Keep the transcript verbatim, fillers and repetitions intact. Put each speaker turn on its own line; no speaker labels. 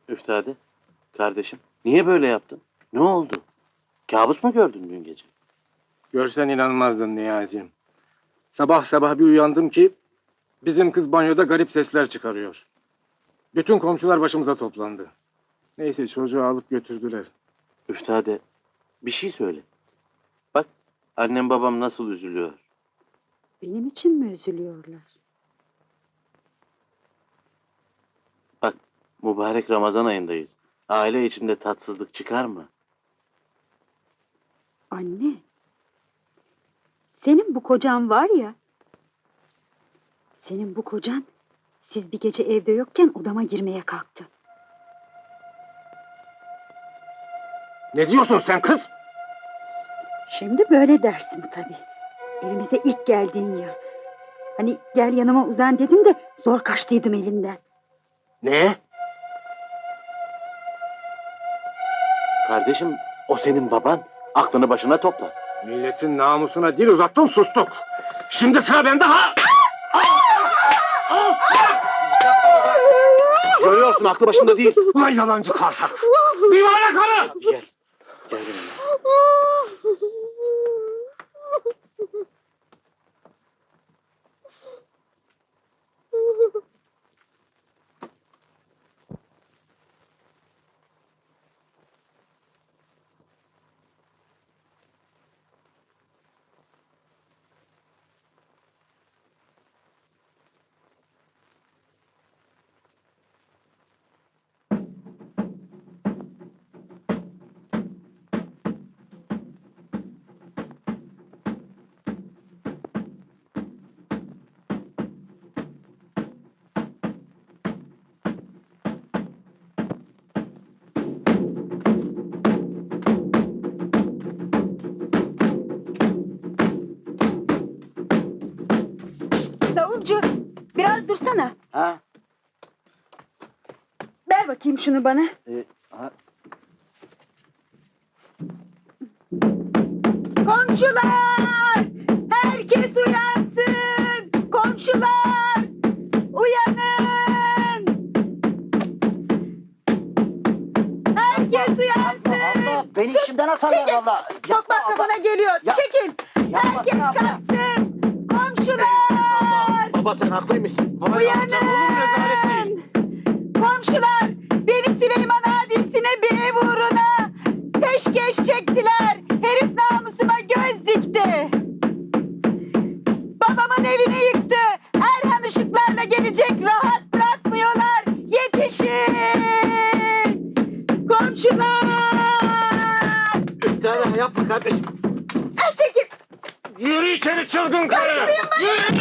Üftade, kardeşim, niye böyle yaptın? Ne oldu? Kabus mu gördün dün gece?
Görsen inanmazdın Niyazi'm. Sabah sabah bir uyandım ki bizim kız banyoda garip sesler çıkarıyor. Bütün komşular başımıza toplandı. Neyse çocuğu alıp götürdüler.
Üftade, bir şey söyle. Bak, annem babam nasıl üzülüyor.
Benim için mi üzülüyorlar?
Bak, mübarek Ramazan ayındayız. Aile içinde tatsızlık çıkar mı?
Anne. Senin bu kocan var ya. Senin bu kocan siz bir gece evde yokken odama girmeye kalktı.
Ne diyorsun sen kız?
Şimdi böyle dersin tabii. Evimize ilk geldiğin yıl. Hani gel yanıma uzan dedin de zor kaçtıydım elinden.
Ne?
Kardeşim, o senin baban. Aklını başına topla.
Milletin namusuna dil uzattın sustuk. Şimdi sıra bende ha!
Görüyorsun, aklı başında değil.
Ulan yalancı karsak! Divane karı!
Hadi gel. Gel benimle.
Davulcu, biraz dursana.
Ha?
Ver bakayım şunu bana.
E, ha?
Komşular! Herkes uyansın! Komşular! Uyanın! Herkes uyansın!
Allah, beni işimden atarlar
Çekil!
valla.
Çok masrafına geliyor.
Ya-
Çekil!
Yapma,
Herkes
yapma.
kalksın! Komşular!
Baba sen haklıymışsın.
Uyanın! Komşular! Beni Süleyman abisine bir ev uğruna peşkeş çektiler. Herif namusuma göz dikti. Babamın evini yıktı. Erhan ışıklarla gelecek, rahat bırakmıyorlar. Yetişin! Komşular!
Üftade yapma kardeşim.
Ay çekil!
Yürü içeri çılgın karı!
Kaçmayın beni!